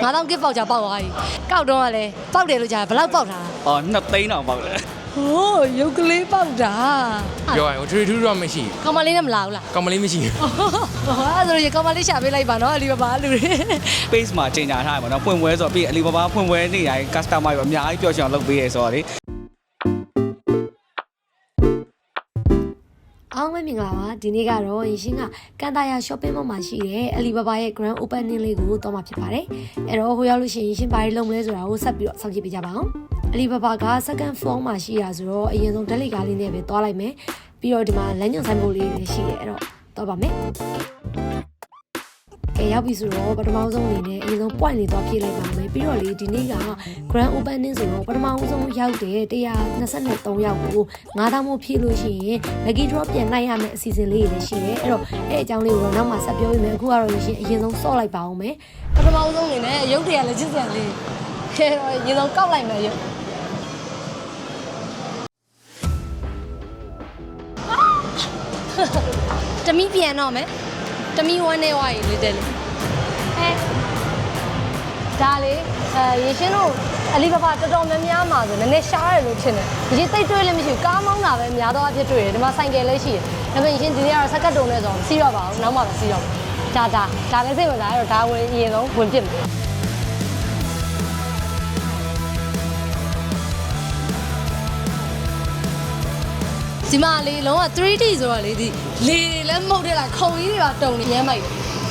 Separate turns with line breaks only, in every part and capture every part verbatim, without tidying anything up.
ငါးသောင်း gift voucher ပေါက်သွားပြီကောက်တော့ကလည်းပေါက်တယ်လို့ကြားဘယ်လောက်ပေါက်တာ
အော်နှစ်သိန်းတောင်ပေါက်တယ်
ဟိုးရုပ်ကလေးပေါက်တာ
ပြောရရင်ထူထူတော့မရှိ
ကောင်မလေးနဲ့မလာဘူးလား
ကောင်မလေးမရှိ
အဲ့ဒါဆိုရင်ကောင်မလေးရှာပေးလိုက်ပါနော်အလီဘာဘာလူတွေ
page မှာချိန်ညာထားရပါတော့ဖွင့်ပွဲဆိုတော့ပြီးအလီဘာဘာဖွင့်ပွဲနေ့တိုင်း customer တွေအများကြီးပျော်ရွှင်အောင်လုပ်ပေးရဲဆိုတော့လေ
အားလုံးပဲမင်္ဂလာပါဒီနေ့ကတော့ရင်ရှင်းကကန်တာယာ shopping mall မှာရှိတဲ့အလီဘာဘာရဲ့ grand opening လေးကိုတော့မှာဖြစ်ပါတယ်အဲ့တော့ဟိုရောက်လို့ရှိရင်ရှင်ဘာတွေလုပ်မလဲဆိုတာကိုဆက်ပြီးတော့စောင့်ကြည့်ပေးကြပါအောင်အလီဘာဘာက second floor မှာရှိတာဆိုတော့အရင်ဆုံးဓာတ်လိကားလေးနဲ့ပဲသွားလိုက်မယ်ပြီးတော့ဒီမှာလမ်းညွှန်ဆိုင်ဖို့လေးလည်းရှိတယ်အဲ့တော့တော့ပါမယ်ကဲရောက်ပြီဆိုတော့ပထမဆုံးအနေနဲ့အရင်ဆုံး point လေးသွားဖြည့်လိုက်ပါမယ်ပြီးတော့လေဒီနေ့က grand opening ဆိုတော့ပထမဆုံးရောက်တဲ့one hundred twenty-threeယောက်ကိုnine thousandမို့ဖြည့်လို့ရှိရင် lucky draw ပြန်နိုင်ရမယ့်အစီအစဉ်လေးတွေလည်းရှိတယ်အဲ့တော့အဲ့အကြောင်းလေးကိုတော့နောက်မှဆက်ပြောပေးမယ်အခုကတော့ရှင်အရင်ဆုံးစော့လိုက်ပါအောင်မယ်ပထမဆုံးအနေနဲ့ရုပ်တွေကလည်းချစ်စရာလေးခဲတော့အရင်ဆုံးကောက်လိုက်မယ်ရုပ်တမီးပြန်တော့မယ်တမီးဝမ်းနေဝါရီလေးတဲ့လေအဲဒါလေအဲရေရှင်းတို့အလီဘာဘာတော်တော်များများမှာဆိုနည်းနည်းရှားရတယ်လို့ထင်တယ်ရေသိပ်တွေးလည်းမရှိဘူးကားမောင်းတာပဲများတော့အဖြစ်တွေ့တယ်ဒီမှာဆိုင်ကယ်လည်းရှိတယ်ဒါပေမဲ့ရှင်ဒီနေ့ကတော့စက်ကတ်တုံနဲ့ဆိုတော့စီးတော့ပါဘူးနောက်မှပဲစီးတော့ဒါဒါဒါလည်းစိတ်ဝင်စားရတော့ဒါဝင်အရင်ဆုံးဝင်ပြစ်မယ်ဒီမှာလေလုံးဝ three D ဆိုတော့လေဒီလေတွေလည်းမှုတ်တဲ့လားခုံကြီးတွေပါတုံနေရမ်းမိုက်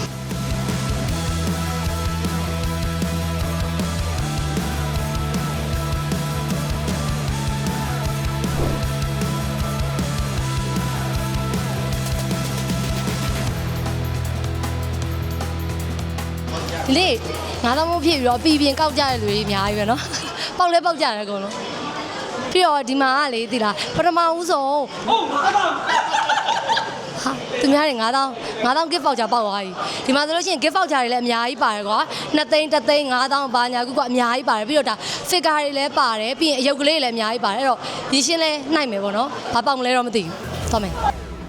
ဒီလေငါးသောင်းမို့ဖြစ်ပြီးတော့ပြည်ပြင်ကောက်ကြတဲ့လူတွေအများကြီးပဲเนาะပေါက်လဲပေါက်ကြတယ်အကုန်လုံးပြီးတော့ဒီမှာကလေဒီလားပထမဦးဆုံးဟုတ်ငါးသောင်းဟာသူများတွေငါးသောင်းငါးသောင်း gift voucher ပေါက်သွားပြီဒီမှာဆိုလို့ရှိရင် gift voucher တွေလည်းအများကြီးပါတယ်ကွာtwoသိန်းoneသိန်းငါးသောင်းဘာညာကူကအများကြီးပါတယ်ပြီးတော့ဒါ figure တွေလည်းပါတယ်ပြီးရင်အယုတ်ကလေးတွေလည်းအများကြီးပါတယ်အဲ့တော့ရရှင်းလဲနှိုက်မယ်ပေါ့နော်ဘာပေါက်မလဲတော့မသိဘူးသွားမယ်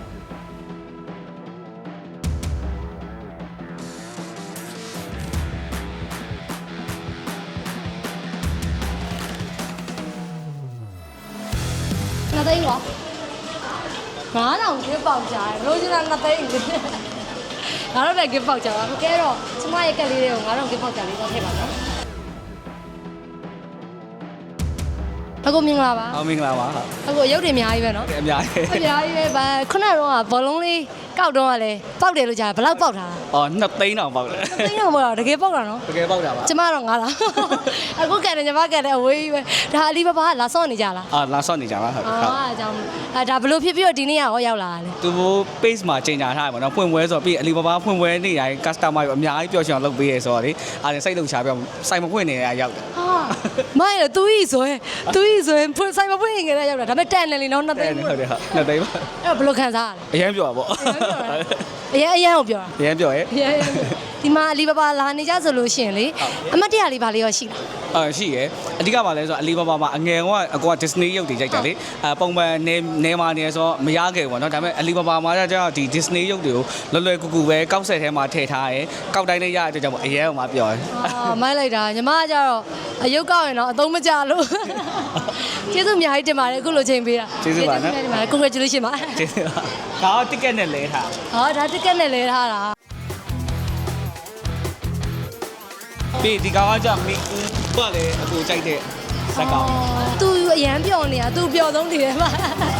နှစ်သိန်းကွာငါးထောင် gift voucher ဘလို့ကျန်တာနှစ်သိန်းငါတို့လည်း gift voucher ပါကဲတော့ကျမရဲ့ကက်လေးတွေကိုငါတို့ gift voucher လေးတော့ထည့်ပါနော်အခုမင်္ဂလာပါ
ဟုတ်မင်္ဂလာပါဟုတ်
အခုရုပ်တွေအများကြီးပဲနော်
အများကြီး
အများကြီးပဲဗာခုနကတော့ဘောလုံးလေးကောက်တော့ကလည်းပေါက်တယ်လို့ကြားဘယ်လောက်ပေါက်တာ
အော်နှစ်သိန်းတောင်ပေါက်တယ်
နှစ်သိန်းတော့မဟုတ်တော့တကယ်ပေါက်တာနော်
တကယ်ပေါက်တာပါ
ကျမတော့ငါလားအခုကဲတယ်ညီမကဲတယ်အဝေးကြီးပဲဒါအလီဘာဘာကလာစောင့်နေကြလား
အာလာဆော့နေကြပါဟုတ်
အာအကြောင်းအဲဒါဘလို့ဖြစ်ပြီးတော့ဒီနေ့ရောရောက်လာတာလဲ
သူတို့ page မှာချိန်ညာထားရပါတော့ဖွင့်ပွဲဆိုတော့ပြီးအလီဘာဘာဖွင့်ပွဲနေ့တိုင်း customer တွေအများကြီးပျော်ရွှင်အောင်လုပ်ပေးရဲဆိုတော့လေအားစိတ်လုံချပြောစိုက်မဖွင့်နေရရောက်တယ်
ဟာမိုင်းရသူကြီးဆိုရင်သူကြီးဆိုရင်ဖွင့်ဆိုင်မဖွင့်ရင်ကြရရောက်တာဒါပေမဲ့တန်တယ်လीနော်နှစ်သိန်း
ဟုတ်တယ်ဟုတ်နှစ်သိန်းပါ
အဲ့ဘလို့ခံစားရလဲ
အရင်ပြောတာပေါ့
အရင်အရင်ကိုပြောတာ
အရင်ပြောရဲ
ဒီမှာအလီဘာဘာလာနေကြဆိုလို့ရှိရင်လေအမတ်တရလေးပါလေးရောရှိလား
အာရှိရယ်အဓိကပါလဲဆိုတော့အလီဘာဘာမှာအငယ်ကအကွာ Disney ရုပ်တွေကြိုက်တယ်လေအဲပုံမှန်နေနေမှာနေဆိုတော့မရခဲ့ဘူးเนาะဒါပေမဲ့အလီဘာဘာမှာကျတော့ဒီ Disney ရုပ်တွေကိုလွယ်လွယ်ကူကူပဲကောက်ဆက်ထဲမှာထည့်ထားရယ်ကောက်တိုင်းလေးရတဲ့အတွက်ကြောင့်အရင်ကမှပြောရယ်
အာမိုက်လိုက်တာညီမကကြတော့အယုတ်ကောက်ရင်တော့အသုံးမကျလို့ကျေးဇူးအများကြီးတင်ပါတယ်အခုလိုချိန်ပေးတာ
ကျေးဇူးပါနော်
တင်ပါတယ် congratulation ပါ
ကျေးဇူးပါဒါတော့ ticket နဲ့လဲထား
ဟောဒါတစ်ကက်နဲ့လဲထားတာ
ပြီးဒီကောင်ကကြမီကူကလည်းအကူကြိုက်တဲ့ဇက်ကောင်
သူအရန်ပျော်နေတာသူပျော်ဆုံးနေတယ်မှာ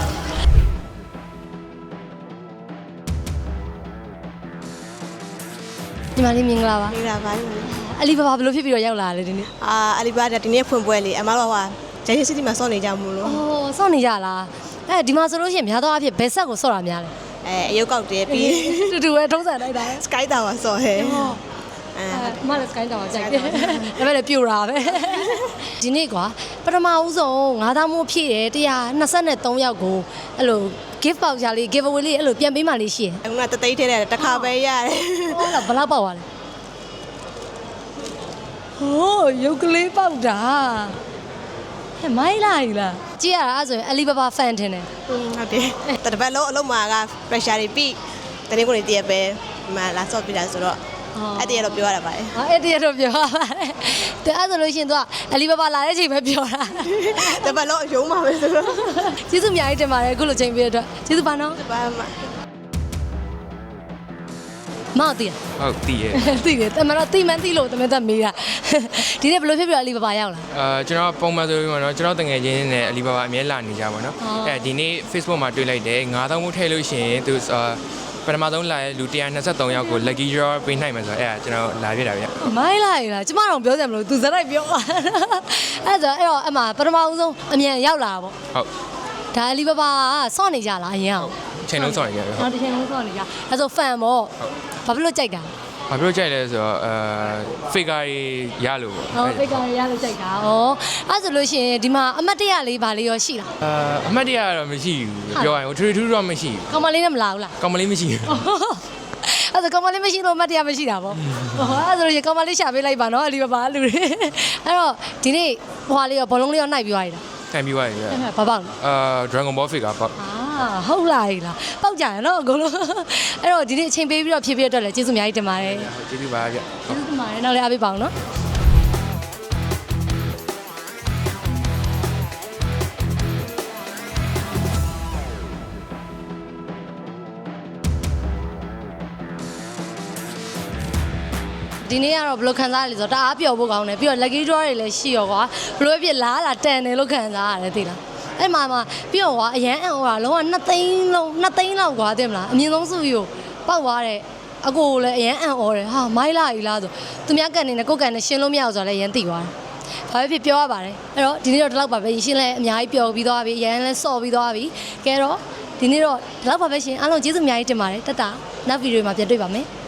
ဒီမလေးမင်္ဂလာပါ
မင်္ဂလာပါညီမလေး
အလီဘာဘာဘယ်လိုဖြစ်ပြီးတော့ရောက်လာလဲဒီနေ့
အာအလီဘာဒါဒီနေ့ဖွင့်ပွဲလေအမတို့ကဂျိုင်းစီတီမှာစောင့်နေကြမလို့
အော်စောင့်နေကြလားအဲဒီမှာဆိုလို့ရှိရင်များသောအားဖြင့်ဘယ်ဆက်ကိုစော့တာများလဲ
အဲအယုတ်ကောက်တယ်ပြီး
တူတူပဲထုံးစံလိုက်တာ
Sky Tower စော့ဟဲ့
အဲမလည်း sky tower ကြိုက်တယ်ဒါပေမဲ့လည်းပြူတာပဲဒီနေ့ကွာပထမဦးဆုံးငါးသောင်းမို့ဖြည့်တယ်one hundred twenty-threeယောက်ကိုအဲ့လို gift voucher လေး give away လေးအဲ့လိုပြန်ပေးမှလေးရှိတယ်
အခုကတသိန်းထဲတယ်တစ်ခါပဲရတယ်
ဟုတ်လားဘယ်လောက်ပေါက်သွားလဲဟိုးရုပ်ကလေးပေါက်တာဟဲ့မိုင်းလာကြီးလားကြည့်ရတာအဲ့ဆိုရင် Alibaba fan ထင်တယ်
ဟုတ်တယ်တပတ်လုံးအလုံးမှာက pressure တွေပြီးတနေ့ကိုနေတည့်ရပဲဒီမှာလာစော့ပြတာဆိုတော့အဲ့တည်းကတော့ပြောရတာပါတယ်
ဟာအဲ့တည်းတော့ပြောရပါတယ်တဲ့အဲ့ဆိုလို့ရှိရင် तू ကအလီဘာဘာလာတဲ့အချိန်ပဲပြောတာ
တပတ်လုံးအယုံမှာပဲဆိုတော့
ကျေးဇူးအများကြီးတင်ပါတယ်အခုလိုချိန်ပေးတဲ့အတွက်ကျေးဇူးပါနော်
ဘာမှ
မောက်တည်
ဟုတ်တည်ရဲ့
တည်တယ်တမန်တော့တိမှန်တိလို့တမန်တော့မေးတာဒီနေ့ဘယ်လိုဖြစ်ပြီးတော့အလီဘာဘာရောက်လာ
အာကျွန်တော်ပုံမှန်ဆိုပြီးတော့ကျွန်တော်တငယ်ချင်းနဲ့အလီဘာဘာအမြဲလာနေကြပါတော့အဲဒီနေ့ Facebook မှာတွေ့လိုက်တယ်ငါးသောင်းမှုထည့်လို့ရှိရင်သူပထမဆုံးလာတဲ့လူone hundred twenty-twoယောက်ကို lucky draw ပေးနိုင်မယ်ဆိုတော့အဲကျွန်တော်လာပြတာဗျ
မိုင်းလိုက်လားကျမတော့ပြောစရာမလိုသူဇက်လိုက်ပြောအဲ့ဒါအဲ့တော့အမှပထမဦးဆုံးအမြန်ရောက်လာတာပေါ့
ဟုတ်
ဒါအလီဘာဘာစောင့်နေကြလားအရင်အောင်
ချိန်လုံးစောင့်နေကြတယ်ဟုတ်
ဟောတစ်ချိန်လုံးစောင့်နေကြအဲ့ဆို fan ပေါ့ဘာဖြစ်လို့ကြိုက်တာ
ဘာပြောကြိုက်လဲဆိုတော့အဲ figure ရလို့ပေါ့
ဟောဖိတ်ကာရရလို့ကြိုက်တာဩအဲ့ဆိုလို့ရှိရင်ဒီမှာအမတ်တရလေးဗာလေးရောရှိလား
အာအမှတ်တရတော့မရှိဘူးပြောရရင်ထူထူတော့မရှိဘူး
ကောင်မလေးနဲ့မလာဘူးလား
ကောင်မလေးမရှိဘူး
အဲ့ဒါကောင်မလေးမရှိလို့အမတ်တရားမရှိတာပေါ့ဟောအဲ့ဒါဆိုရင်ကောင်မလေးရှာပေးလိုက်ပါနော်အလီဘာဘာလူတွေအဲ့တော့ဒီနေ့ဟွာလေးရောဘောလုံးလေးရောနှိုက်ပြီးသွားပြီလား
ခံပြီးသွားပြီဗျ
အဲ့ဘာပေါက်လဲ
အာ Dragon Ball figure ပေါ့
အာဟုတ်လားဟိလားပေါက်ကြရနော်အကုန်လုံးအဲ့တော့ဒီနေ့အချိန်ပေးပြီးတော့ဖြည့်ပြအတွက်လည်းကျေးဇူးအများကြီးတင်ပါတယ်
ကျေးဇူးပါဗျ
ကျေးဇူးတင်ပါတယ်နောက်လည်းအားပေးပါအောင်နော်ဒီနေ့ကတော့ဘယ်လိုခံစားရလဲဆိုတော့တအားပျော်ဖို့ကောင်းတယ်ပြီးတော့ lucky draw တွေလည်းရှိရောကွာဘယ်လိုဖြစ်လားလာတန်တယ်လို့ခံစားရတယ်သိလားအဲ့မှာမှာပြီးတော့ကွာအရန်အံ့ဩတာလုံးဝနှစ်သိန်းလုံးနှစ်သိန်းလောက်ကွာသိမလားအမြင့်ဆုံးစုကြီးကိုပောက်သွားတဲ့အကိုလည်းအရန်အံ့ဩတယ်ဟာမိုင်းလာကြီးလားဆိုသူများကန်နေနဲ့ကိုကန်နဲ့ရှင်းလို့မရအောင်ဆိုတော့လည်းအရန်သိသွားတယ်ဘာပဲဖြစ်ပြောရပါတယ်အဲ့တော့ဒီနေ့တော့ဒီလောက်ပါပဲရှင်းလဲအများကြီးပျော်ပြီးသွားပြီအရန်လဲစော့ပြီးသွားပြီကဲတော့ဒီနေ့တော့ဒီလောက်ပါပဲရှင်အားလုံးကျေးဇူးအများကြီးတင်ပါတယ်တက်တာနောက်ဗီဒီယိုမှာပြန်တွေ့ပါမယ်